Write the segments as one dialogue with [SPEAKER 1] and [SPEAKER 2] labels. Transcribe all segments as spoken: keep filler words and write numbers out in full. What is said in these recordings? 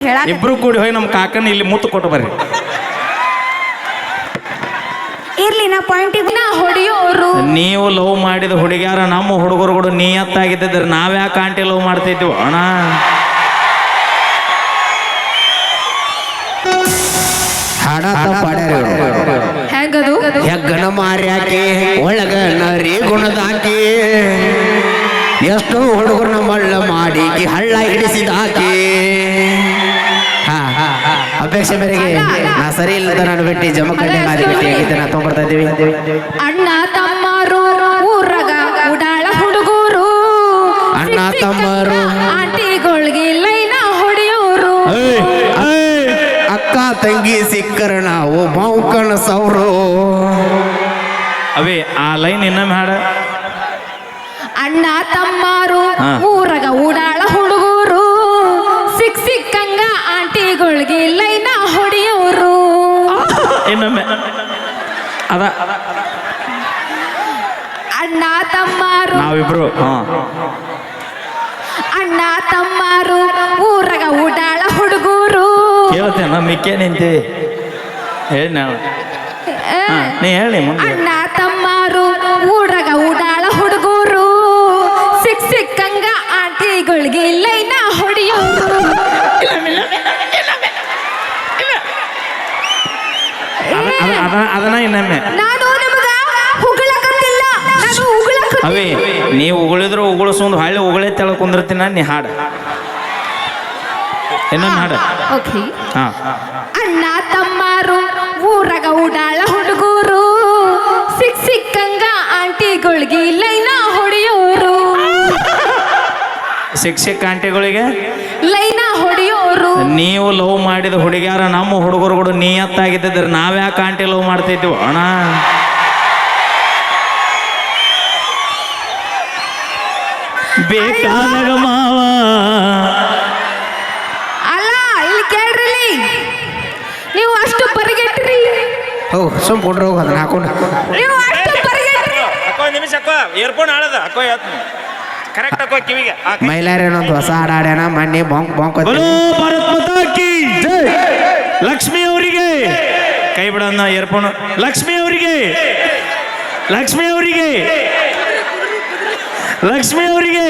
[SPEAKER 1] ಇಬ್ರು ಕೂಡಿ ಹೋಗಿ ನಮ್ಮ ಕಾಕನ ಇಲ್ಲಿ ಮುತ್ತು ಕೊಟ್ಟು ಬರ್ರಿ.
[SPEAKER 2] ಇರ್ಲಿ ನಾ ಪಾಯಿಂಟಿಗೆ ನಾ ಹೊಡಿಯೋರು.
[SPEAKER 1] ನೀವು ಲವ್ ಮಾಡಿದ ಹುಡುಗ್ಯಾರ ನಮ್ಮ ಹುಡುಗರುಗಳು ನಿಯತ್ತಾಗಿದ್ದಿದ್ರೆ ನಾವ್ಯಾಕೆ ಆಂಟಿ ಲವ್ ಮಾಡ್ತಿದ್ವಿ ಅಣ್ಣ.
[SPEAKER 2] ಹೆಂಗದು
[SPEAKER 3] ಹೆಗ್ಗನ ಮಾರ್ಯಾಕೆ ಒಳಗ ನರಿ ಗುಣದಾಕಿ ಎಷ್ಟೋ ಹುಡುಗರನ್ನ ಮಳ್ಳ ಮಾಡಿ ಹಳ್ಳ ಹಿಡಿಸಿದಾಕಿ. ಅಪೇಕ್ಷೆ ಮೇರೆಗೆ ನಾ ಸರಿ ಇಲ್ಲದ ನಾನು ಬಿಟ್ಟು ಜಮಖಂಡಿ ಮಾರಿ ಬಿಟ್ಟು ಹೇಗಿದ್ದೆ ನಾ ತೊಗೊಂಡ್ಬರ್ತಾ ಇದ್ದೀವಿ.
[SPEAKER 2] ಅಣ್ಣ ತಮ್ಮರು ಊರಗ ಉಡಾಳ ಹುಡುಗರು,
[SPEAKER 3] ಅಣ್ಣ ತಮ್ಮರು
[SPEAKER 2] ಆಂಟಿಗಳಿಗೆ ಲೈನ ಹೊಡೆಯೋರು,
[SPEAKER 3] ಅಕ್ಕ ತಂಗಿ ಸಿಕ್ಕರ ನಾವು ಮೌಕಣ ಸೌರು.
[SPEAKER 1] ಅವೇ ಆ ಲೈನ್ ಇನ್ನೊಮ್ಮೆ ಹಾಡ.
[SPEAKER 2] ಅಣ್ಣ ತಮ್ಮರು ಊರಗ ಉಡಾಳ ಹುಡುಗರು, ಸಿಕ್ ಸಿಕ್ಕಂಗ ಆಂಟಿಗಳಿಗೆ ಲೈನ ಹೊಡೆಯೋರು.
[SPEAKER 1] ಇನ್ನೊಮ್ಮೆ ಅದ
[SPEAKER 2] ಅಣ್ಣ ತಮ್ಮರು
[SPEAKER 1] ನಾವಿಬ್ರು
[SPEAKER 2] ಅಣ್ಣ ತಮ್ಮರು ಊರಗ ಉಡಾಳ ಹುಡುಗರು.
[SPEAKER 1] ಕೇಳ್ತೇನೆ ಮಿಕ್ಕೇ ನಿಂತಿ ಹೇಳಿ ನಾವು ನೀ ಹೇಳಿ ಮುಂದೆ.
[SPEAKER 2] ಅಣ್ಣ ತಮ್ಮರು ಊರಗ ಉಡಾಳ ಹುಡುಗರು, ಸಿಕ್ ಸಿಕ್ಕಂಗ ಆಂಟಿಗಳಿಗೆ ಲೈನ ಹೊಡೆಯೋರು.
[SPEAKER 1] ಅದನ್ನ ಇನ್ನೊಮ್ಮೆ
[SPEAKER 2] ನಾನು ನಿಮಗ ಉಗುಳಕತ್ತಿಲ್ಲ, ನಾನು ಉಗುಳಕ
[SPEAKER 1] ಅವೇ ನೀವು ಉಗುಳಿದ್ರು ಉಗುಳಿಸೊಂದು ಹಳ್ಳಿ ಉಗುಳೆ ತೆಳ ಕುಂದಿರ್ತೀನ ನೀ ಹಾಡ ಇನ್ನೊಂದು ಹಾಡ.
[SPEAKER 2] ಓಕೆ.
[SPEAKER 1] ಹಾ
[SPEAKER 2] ಅಣ್ಣ ತಮ್ಮರು ಊರಗ ಉಡಾಳ ಹುಡುಗರು, ಸಿಕ್ ಸಿಕ್ಕಂಗ ಆಂಟಿಗಳಿಗೆ ಲೈನ ಹೊಡೆಯೋರು.
[SPEAKER 1] ಶಿಕ್ಷಕ ಆಂಟಿಗಳಿಗೆ
[SPEAKER 2] ಲೈನ ಹೊಡೆಯೋರು.
[SPEAKER 1] ನೀವು ಲವ್ ಮಾಡಿದ ಹುಡುಗ್ಯಾರ ನಮ್ಮ ಹುಡುಗರುಗಳು ನಿಯತ್ತಾಗಿದ್ದಿದ್ರೆ ನಾವ್ಯಾಕೆ ಆಂಟಿ ಲವ್ ಮಾಡ್ತಿದ್ವಿ ಅಣ್ಣ. ಬೇಕಾದಾಗ ಮಾವ
[SPEAKER 2] ಅಲ್ಲ ಇಲ್ಲಿ ಕೇಳ್ರಿ, ನೀವು ಅಷ್ಟು ಪರಿಗೆಟ್ರಿ,
[SPEAKER 3] ಓ ಸುಮ್ ಕೊಡ್ರಿ ಹೋಗ ಅದನ್ನ ಹಾಕೊಂಡು.
[SPEAKER 2] ನೀವು ಅಷ್ಟು ಪರಿಗೆಟ್ರಿ.
[SPEAKER 1] ಅಕ್ಕೋ ನಿಮಿಷ ಅಕ್ಕೋ ಏರ್ಫೋನ್ ಹಾಳದ ಅಕ್ಕೋ ಕರೆಕ್ಟ್ ಅಕ್ಕೋ ಕಿವಿಗೆ.
[SPEAKER 3] ಮೈಲಾರೇನೊಂದು ಹೊಸ ಹಾಡಾಡ್ಯಾನ ಮೊನ್ನೆ ಬಾಂಕ್ ಬಾಂಕ್
[SPEAKER 1] ಭಾರತ್ ಮಾತಾ ಕಿ ಜೈ. ಲಕ್ಷ್ಮಿ ಅವರಿಗೆ ಕೈ ಬಿಡೋಣ ಏರ್ಫೋನ್. ಲಕ್ಷ್ಮಿ ಅವರಿಗೆ ಲಕ್ಷ್ಮಿ ಅವರಿಗೆ ಲಕ್ಷ್ಮಿ ಅವರಿಗೆ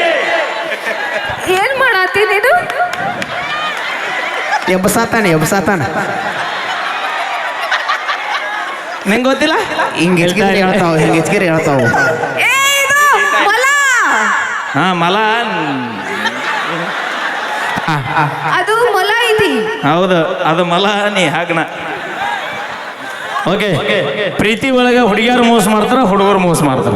[SPEAKER 2] ಏನ್ ಮಾಡತ್ತಿ ನೀನು?
[SPEAKER 3] ಎಬ್ಬಸಾತಾನೆ ಎಬ್ಬಸಾತಾನ
[SPEAKER 1] ನಿಂಗೆ ಗೊತ್ತಿಲ್ಲ
[SPEAKER 3] ಹಿಂಗೆ ಹೆಚ್ಗಿರಿ ಹೇಳ್ತಾವ ಹಿಂಗೆ ಹೆಚ್ಗಿರಿ ಹೇಳ್ತಾವ.
[SPEAKER 2] ಏ, ಇದು ಮೊಲ.
[SPEAKER 1] ಹಾ ಮಲ
[SPEAKER 2] ಅದು ಮೊಲ ಐತಿ.
[SPEAKER 1] ಹೌದು ಅದು ಮಲ ನೀ ಹಾಗಣ. ಓಕೆ ಪ್ರೀತಿ ಒಳಗೆ ಹುಡುಗಿಯರು ಮೋಸ ಮಾಡ್ತಾರ, ಹುಡುಗರು ಮೋಸ ಮಾಡ್ತಾರ.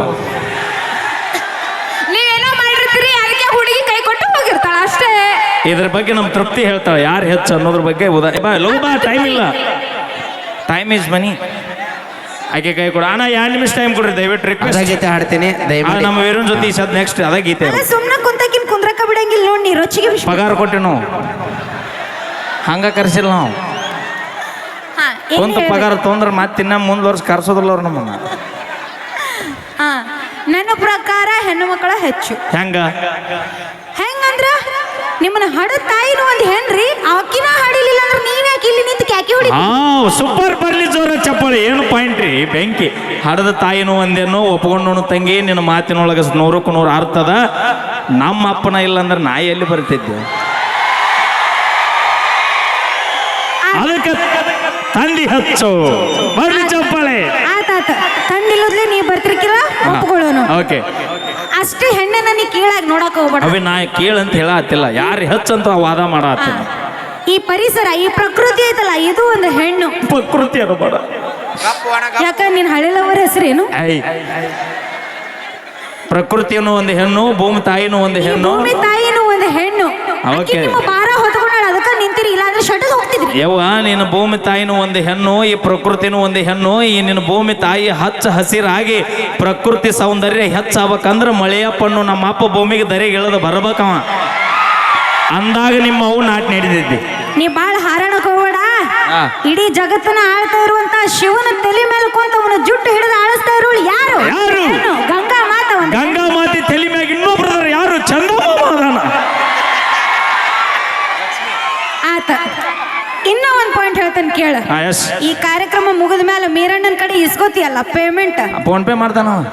[SPEAKER 2] ನೀವೇನೋ ಮಾಡಿರ್ತೀರಿ, ಅದಕ್ಕೆ ಹುಡುಗಿ ಕೈ ಕೊಟ್ಟು ಹೋಗಿರ್ತಾಳ ಅಷ್ಟೇ.
[SPEAKER 1] ಇದ್ರ ಬಗ್ಗೆ ನಮ್ಮ ತೃಪ್ತಿ ಹೇಳ್ತಾಳೆ ಯಾರು ಹೆಚ್ಚು ಅನ್ನೋದ್ರ ಬಗ್ಗೆ. ಉದಾ ಬಾ ಲವ್ ಬಾ, ಟೈಮ್ ಇಲ್ಲ, ಟೈಮ್ ಈಸ್ ಮನಿ. ಆಕೆ ಕೈ ಕೊಡ ಅಣ್ಣ, ಎರಡು ನಿಮಿಷ ಟೈಮ್ ಕೊಡ್ರಿ ದಯವಿಟ್ಟು. ರಿಕ್ವೆಸ್ಟ್
[SPEAKER 3] ಗೀತೆ ಹಾಡ್ತೀನಿ ದಯಮಾಡಿ.
[SPEAKER 1] ನಮ್ಮ ವೀರನ್ ಜೊತೆ ಈ ಸದ್ ನೆಕ್ಸ್ಟ್ ಅದ ಗೀತೆ.
[SPEAKER 2] ಸುಮ್ಮನೆ ಕುಂತಕಿನ್ ಕುಂದ್ರಕ ಬಿಡಂಗಿಲ್ಲ ನೋಡಿ, ರೊಚ್ಚಿಗೆ
[SPEAKER 1] ಪಗಾರ ಕೊಟ್ಟೆ ನಾವು ಹಂಗ ಕರ್ಸಿಲ್ಲ ನಾವು. ಕುಂತ ಪಗಾರ ತೊಂದ್ರೆ ಮತ್ತೆ ಇನ್ನ ಮುಂದ್ ವರ್ಷ ಕರ್ಸೋದಿಲ್ಲ ಅವ್ರು ನಮ್ಮನ್ನ.
[SPEAKER 2] ನನ್ನ ಪ್ರಕಾರ ಹೆಣ್ಣು ಮಕ್ಕಳ ಹೆಚ್ಚು.
[SPEAKER 1] ಹೆಂಗ
[SPEAKER 2] ಹೆಂಗಂದ್ರ ನಿಮ್ಮನ್ನ ಹಡ ತಾಯಿನ ಒಂದ್ ಹೆಣ್ರಿ, ಆಕಿನ ಹಾಡಿಲಿಲ್ಲ ಅಂದ್ರೆ ನೀವ್ ಯಾಕೆ ಇಲ್ಲಿ ನಿಂತು ಕ್ಯಾಕಿ ಹೊಡಿ.
[SPEAKER 1] ಹಾ ಸೂಪರ್ ಬರ್ಲಿ ಜೋರ ಚಪ್ಪಾಳಿ. ಏನು ಪಾಯಿಂಟ್ ರೀ ಬೆಂಕಿ. ಹಡದ ತಾಯಿನೂ ಒಂದೇನೋ ಒಪ್ಕೊಂಡು ತಂಗಿ ನಿನ್ನ ಮಾತಿನೊಳಗೆ ನೂರಕ್ಕೂ ನೂರು ಅರ್ಥದ. ನಮ್ಮ ಅಪ್ಪನ ಇಲ್ಲ ಅಂದ್ರೆ ನಾ ಎಲ್ಲಿ ಬರ್ತಿದ್ದೆ. ಅದಕ್ಕೆ ತಂದಿ ಹಚ್ಚು ಬರ್ಲಿ ಚಪ್ಪಾಳೆ.
[SPEAKER 2] ಆತಾತ ತಂದಿಲ್ಲದ್ಲೆ ನೀ ಬರ್ತಿರ್ಕಿಲ್ಲ ಒಪ್ಕೊಳ್ಳೋನು.
[SPEAKER 1] ಓಕೆ
[SPEAKER 2] ಅಷ್ಟೇ ಹೆಣ್ಣನ್ನ ನೀ ಕೀಳಾಗಿ ನೋಡಕ್ ಹೋಗ್ಬೇಡ.
[SPEAKER 1] ಅವಿ ನಾ ಕೇಳಂತ ಹೇಳತ್ತಿಲ್ಲ, ಯಾರು ಹೆಚ್ಚಂತ ವಾದ ಮಾಡತ್ತಿಲ್ಲ.
[SPEAKER 2] ಈ ಪರಿಸರ ಈ ಪ್ರಕೃತಿ ಐತಲ್ಲ, ಇದು ಒಂದು ಹೆಣ್ಣು
[SPEAKER 1] ಪ್ರಕೃತಿ ಅದು ಬೇಡ.
[SPEAKER 2] ಯಾಕ ನಿನ್ ಹಳೆಲವರ ಹೆಸರೇನು?
[SPEAKER 1] ಐ ಪ್ರಕೃತಿಯನ್ನು ಒಂದು ಹೆಣ್ಣು, ಭೂಮಿ ತಾಯಿನೂ ಒಂದು ಹೆಣ್ಣು,
[SPEAKER 2] ಭೂಮಿ ತಾಯಿನೂ ಒಂದು ಹೆಣ್ಣು.
[SPEAKER 1] ಓಕೆ
[SPEAKER 2] ಭಾರ ಹೊತ್ಕೊಂಡಾಳ, ಅದಕ್ಕ ನಿಂತಿರಿ, ಇಲ್ಲ ಅಂದ್ರೆ ಶಟದ್ ಹೋಗ್ತಿದ್ರಿ.
[SPEAKER 1] ಯವ್ವ ನಿನ್ನ ಭೂಮಿ ತಾಯಿನೂ ಒಂದು ಹೆಣ್ಣು, ಈ ಪ್ರಕೃತಿನೂ ಒಂದು ಹೆಣ್ಣು. ಈ ನಿನ್ನ ಭೂಮಿ ತಾಯಿ ಹಚ್ಚ ಹಸಿರಾಗಿ ಪ್ರಕೃತಿ ಸೌಂದರ್ಯ ಹೆಚ್ಚಾಗಬೇಕಂದ್ರೆ ಮಳೆಯಪ್ಪಣ್ಣು ನಮ್ಮ ಅಪ್ಪ ಭೂಮಿಗೆ ದರೆಗೆ ಇಳದ ಬರ್ಬೇಕವ. ಅಂದಾಗ ನಿಮ್ಮ ಅವು ನಾಟಿ ನಡೆದಿದ್ದಿ.
[SPEAKER 2] ನೀ ಬಾಳ ಹಾರಾಣಕ್ ಹೋಗ್ಬೇಡ. ಇಡೀ ಜಗತ್ತನ್ನ ಆಳ್ತಾ ಇರುವಂತ ಶಿವನ ತಲೆ ಮೇಲೆ ಕುಂತ ಅವನ ಜುಟ್ಟು ಹಿಡಿದು ಆಳಿಸ್ತಾ ಇರೋಳು ಯಾರು?
[SPEAKER 1] ಯಾರು?
[SPEAKER 2] ಗಂಗಾ ಮಾತ.
[SPEAKER 1] ಗಂಗಾ ಮಾತೆ ತಲೆ ಮ್ಯಾಗ ಇನ್ನೊಬ್ರು ಯಾರು? ಚಂದಮಾಮ ಅದಾನ.
[SPEAKER 2] ಆ ಆತ ಇನ್ನ ಒಂದ್ ಪಾಯಿಂಟ್ ಹೇಳ್ತೇನೆ ಕೇಳ.
[SPEAKER 1] ಹಾ ಎಸ್
[SPEAKER 2] ಈ ಕಾರ್ಯಕ್ರಮ ಮುಗಿದ ಮೇಲೆ ಮೀರಣ್ಣನ ಕಡೆ ಇಸ್ಕೋತಿಯಲ್ಲ ಪೇಮೆಂಟ್,
[SPEAKER 1] ಫೋನ್ ಪೇ ಮಾಡ್ತಾನ ಅವ.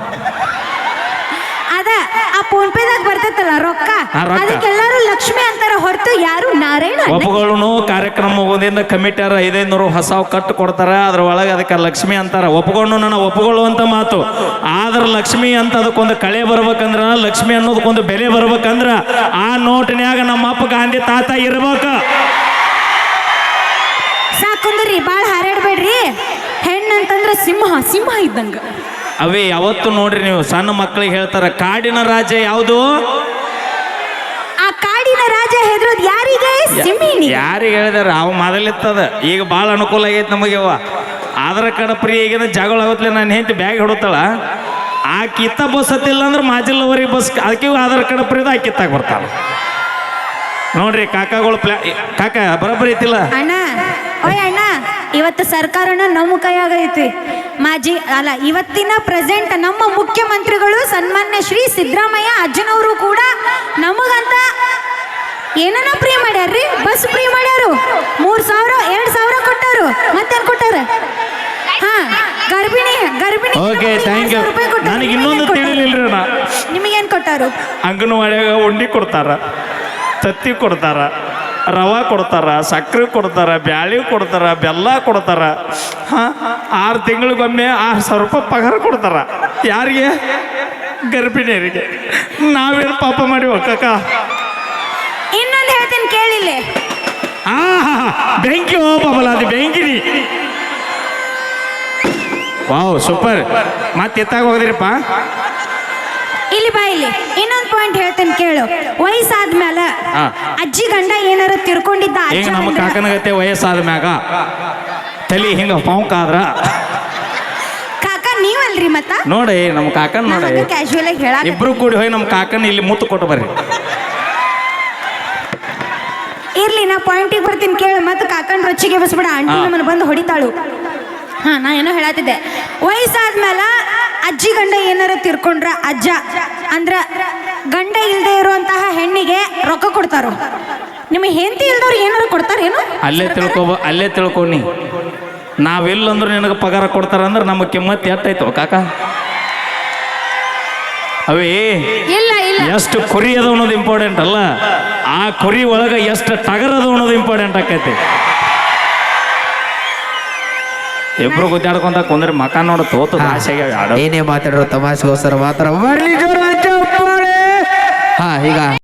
[SPEAKER 2] ಅದ ಆ ಫೋನ್ ಪೇದಾಗ ಬರ್ತೈತಲ್ಲ ರೊಕ್ಕ,
[SPEAKER 1] ಆ ರೊಕ್ಕ.
[SPEAKER 2] ಅದಕ್ಕೆಲ್ಲಾರು ಲಕ್ಷ್ಮಿ ಅಂತಾರ ಹೊರತು ಯಾರು ನಾರಾಯಣ ಅನ್ನ-
[SPEAKER 1] ಒಪ್ಪುಗಳನ್ನು ಕಾರ್ಯಕ್ರಮ ಮುಗೋದಿಂದ ಕಮಿಟಿಯರ ಐದೈನೂರು ಹೊಸ ಕಟ್ಟು ಕೊಡ್ತಾರ, ಅದ್ರ ಒಳಗೆ ಅದಕ್ಕೆ ಲಕ್ಷ್ಮಿ ಅಂತಾರ. ಒಪ್ಪುಗಳನ್ನು ನನ್ನ ಒಪ್ಪುಕೊಳ್ಳುವಂತ ಮಾತು. ಆದ್ರ ಲಕ್ಷ್ಮಿ ಅಂತ ಅದಕ್ಕೊಂದು ಕಳೆ ಬರ್ಬೇಕಂದ್ರ, ಲಕ್ಷ್ಮಿ ಅನ್ನೋದಕ್ಕೊಂದು ಬೆಲೆ ಬರ್ಬೇಕಂದ್ರ ಆ ನೋಟಿನ್ಯಾಗ ನಮ್ಮ ಅಪ್ಪ ಗಾಂಧಿ ತಾತ ಇರ್ಬೇಕ.
[SPEAKER 2] ಸಾಕುಂದ್ರಿ ಬಾಳ ಹಾರಾಡ್ಬೇಡ್ರಿ. ಹೆಣ್ಣಂತಂದ್ರ ಸಿಂಹ ಸಿಂಹ ಇದ್ದಂಗ.
[SPEAKER 1] ಅವೇ ಯಾವತ್ತು ನೋಡ್ರಿ ನೀವು ಸಣ್ಣ ಮಕ್ಕಳಿಗೆ ಹೇಳ್ತಾರ ಕಾಡಿನ ರಾಜ್ಯ ಯಾವುದು?
[SPEAKER 2] ಆ ಕಾಡಿನ ರಾಜ ಹೆದ್ರೋದ್ ಯಾರಿಗೆ? ಸಿಂಹಿನಿ.
[SPEAKER 1] ಯಾರಿಗೆ ಹೇಳಿದಾರ? ಅವ ಮೊದಲಿತ್ತದ, ಈಗ ಭಾಳ ಅನುಕೂಲ ಆಗೈತೆ ನಮಗೆ. ಅವ ಆಧಾರ ಕಾರ್ಡ್ ಫ್ರೀ ಆಗಿದ ಜಗಳ ಆಗುತ್ತಲೆ ನಾನು ಹೆಂಡತಿ ಬ್ಯಾಗ್ ಹಿಡುತ್ತಾಳ. ಆ ಕಿತ್ತ ಬಸ್ ಹತ್ತಿಲ್ಲ ಅಂದ್ರೆ ಮಾಜಿಲ್ಲವರೆಗೆ ಬಸ್, ಅದಕ್ಕೆ ಆಧಾರ್ ಕಾರ್ಡ್ ಫ್ರೀದ ಆ ಕಿತ್ತಾಗ ಬರ್ತಾಳ. ನೋಡ್ರಿ ಕಾಕಾಗಳು ಪ್ಲಾ ಕಾಕ ಬರೋಬ್ಬರಿ ಐತಿಲ್ಲ
[SPEAKER 2] ಅಣ್ಣ. ಓಯ್ ಅಣ್ಣ, ಇವತ್ತು ಸರ್ಕಾರನ ನಮ್ಮ ಕೈಯಾಗ ಐತಿ. ಮಾಜಿ ಅಲ್ಲ ಇವತ್ತಿನ ಪ್ರೆಸೆಂಟ್ ನಮ್ಮ ಮುಖ್ಯಮಂತ್ರಿಗಳು ಸನ್ಮಾನ್ಯ ಶ್ರೀ ಸಿದ್ದರಾಮಯ್ಯ ಅಜ್ಜನವರು ಕೂಡ ನಮಗಂತ ಏನನ್ನ ಫ್ರೀ ಮಾಡ್ಯಾರ್ರಿ. ಬಸ್ ಫ್ರೀ ಮಾಡ್ಯಾರು, ಮೂರ್ ಸಾವಿರ ಎರಡ್ ಸಾವಿರ ಕೊಟ್ಟಾರು. ಮತ್ತೇನ್ ಕೊಟ್ಟಾರ? ಹಾ ಗರ್ಭಿಣಿ ಗರ್ಭಿಣಿ
[SPEAKER 1] ಓಕೆ ಥ್ಯಾಂಕ್ ಯು. ನನಗೆ ಇನ್ನೊಂದು ತಿಳಿಲಿಲ್ರಿ ಅಣ್ಣ,
[SPEAKER 2] ನಿಮಗೇನ್ ಕೊಟ್ಟಾರು?
[SPEAKER 1] ಅಂಗನವಾಡಿಯಾಗ ಉಂಡಿ ಕೊಡ್ತಾರ, ತತ್ತಿ ಕೊಡ್ತಾರ, ರವಾ ಕೊಡ್ತಾರ, ಸಕ್ಕರೆ ಕೊಡ್ತಾರ, ಬ್ಯಾಳಿ ಕೊಡ್ತಾರ, ಬೆಲ್ಲ ಕೊಡ್ತಾರ. ಹಾಂ ಆರು ತಿಂಗಳಿಗೊಮ್ಮೆ ಆರು ಸಾವಿರ ರೂಪಾಯಿ ಪಗಾರ ಕೊಡ್ತಾರ. ಯಾರಿಗೆ? ಗರ್ಭಿಣಿಯರಿಗೆ. ನಾವೇನು ಪಾಪ ಮಾಡಿ ಒಕ್ಕಕ್ಕ.
[SPEAKER 2] ಇನ್ನೊಂದು ಹೇಳ್ತೀನಿ ಕೇಳಿಲ್ಲ.
[SPEAKER 1] ಆ ಬೆಂಕಿ ಓ ಪಾಪಲ್ಲ, ಅದು ಬೆಂಕಿನಿ. Wow super. ಮತ್ತೆ ಎತ್ತಾಗ ಹೋದ್ರಿಪ್ಪ.
[SPEAKER 2] ಇಲ್ಲಿ ಬಾ ಇಲ್ಲಿ ಇನ್ನೊಂದು ಪಾಯಿಂಟ್ ಹೇಳ್ತೇನೆ ಕೇಳು. ವಯಸ್ಸಾದ್ಮೇಲೆ
[SPEAKER 1] ಹಾ.
[SPEAKER 2] ಅಜ್ಜಿ ಗಂಡ ಏನಾರ ತಿರ್ಕೊಂಡಿದ್ದ
[SPEAKER 1] ಈಗ
[SPEAKER 2] ಅಜ್ಜ
[SPEAKER 1] ನಮ್ಮ
[SPEAKER 2] ಅಂದ್ರ-
[SPEAKER 1] ಕಾಕನಗತ್ತೆ ವಯಸ್ಸಾದ ಮ್ಯಾಗ ತಲೆ ಹಿಂಗ ಪೌಂಕ್ ಆದ್ರ
[SPEAKER 2] ಕಾಕ ನೀವಲ್ರಿ ಮತ್ತ
[SPEAKER 1] ನೋಡಿ ನಮ್ಮ ಕಾಕನ್ ನೋಡಿ
[SPEAKER 2] ಕ್ಯಾಶುವಲ್ ಆಗಿ ಹೇಳಾಕ
[SPEAKER 1] ಇಬ್ರು ಕೂಡಿ ಹೋಗಿ ನಮ್ಮ ಕಾಕನ್ ಇಲ್ಲಿ ಮುತ್ತು ಕೊಟ್ಟು ಬರ್ರಿ.
[SPEAKER 2] ಇರ್ಲಿ ನಾ ಪಾಯಿಂಟಿಗೆ ಬರ್ತೀನಿ ಕೇಳು. ಮತ್ತೆ ಕಾಕನ್ ರೊಚ್ಚಿಗೆ ಬಸ್ಬಿಡ, ಆಂಟಿ
[SPEAKER 1] ಹಾ.
[SPEAKER 2] ನಮ್ಮನ್ನ ಬಂದು ಹೊಡಿತಾಳು. ಹಾ ನಾ ಏನೋ ಹೇಳತ್ತಿದ್ದೆ. ವಯಸ್ಸಾದ್ಮೇಲೆ ಅಜ್ಜಿ ಗಂಡ ಏನಾರ ತಿರ್ಕೊಂಡ್ರ ಅಜ್ಜ ಅಂದ್ರ ಗಂಡ ಇಲ್ದೇ ಇರುವಂತಹ ಹೆಣ್ಣಿಗೆ ರೊಕ್ಕ ಕೊಡ್ತಾರ. ನಿಮಗೆ ಹೆಂಡತಿ ಇಲ್ದವ್ರು ಏನಾರು ಕೊಡ್ತಾರೇನು?
[SPEAKER 1] ಅಲ್ಲೇ ತಿಳ್ಕೊಬ ಅಲ್ಲೇ ತಿಳ್ಕೊನಿ. ನಾವೆಲ್ಲಂದ್ರೆ ನಿನಗೆ ಪಗಾರ ಕೊಡ್ತಾರ ಅಂದ್ರೆ ನಮ್ಮ ಕಿಮ್ಮತ್ ಎಷ್ಟಾಯ್ತು ಕಾಕ? ಅವೇ
[SPEAKER 2] ಇಲ್ಲ ಇಲ್ಲ
[SPEAKER 1] ಎಷ್ಟು ಕುರಿ ಅದ ಅನ್ನೋದು ಇಂಪಾರ್ಟೆಂಟ್ ಅಲ್ಲ, ಆ ಕುರಿ ಒಳಗೆ ಎಷ್ಟು ಟಗರ್ ಅದ ಅನ್ನೋದು ಇಂಪಾರ್ಟೆಂಟ್ ಆಕೈತಿ. ಇಬ್ರು ಗುದ್ದಾಡ್ಕೊಂತ ಕುಂದ್ರೆ ಮಕ ನೋಡ ತೋತದ ಆಸೆಗೆ ಆಡೋ.
[SPEAKER 3] ಏನೇ ಮಾತಾಡೋ ತಮಾಷೆಗೋಸ್ಕರ ಮಾತ್ರ ಬರ್ಲಿ ಜೋರ ಚಪ್ಪಾಳೆ. ಹಾ ಈಗ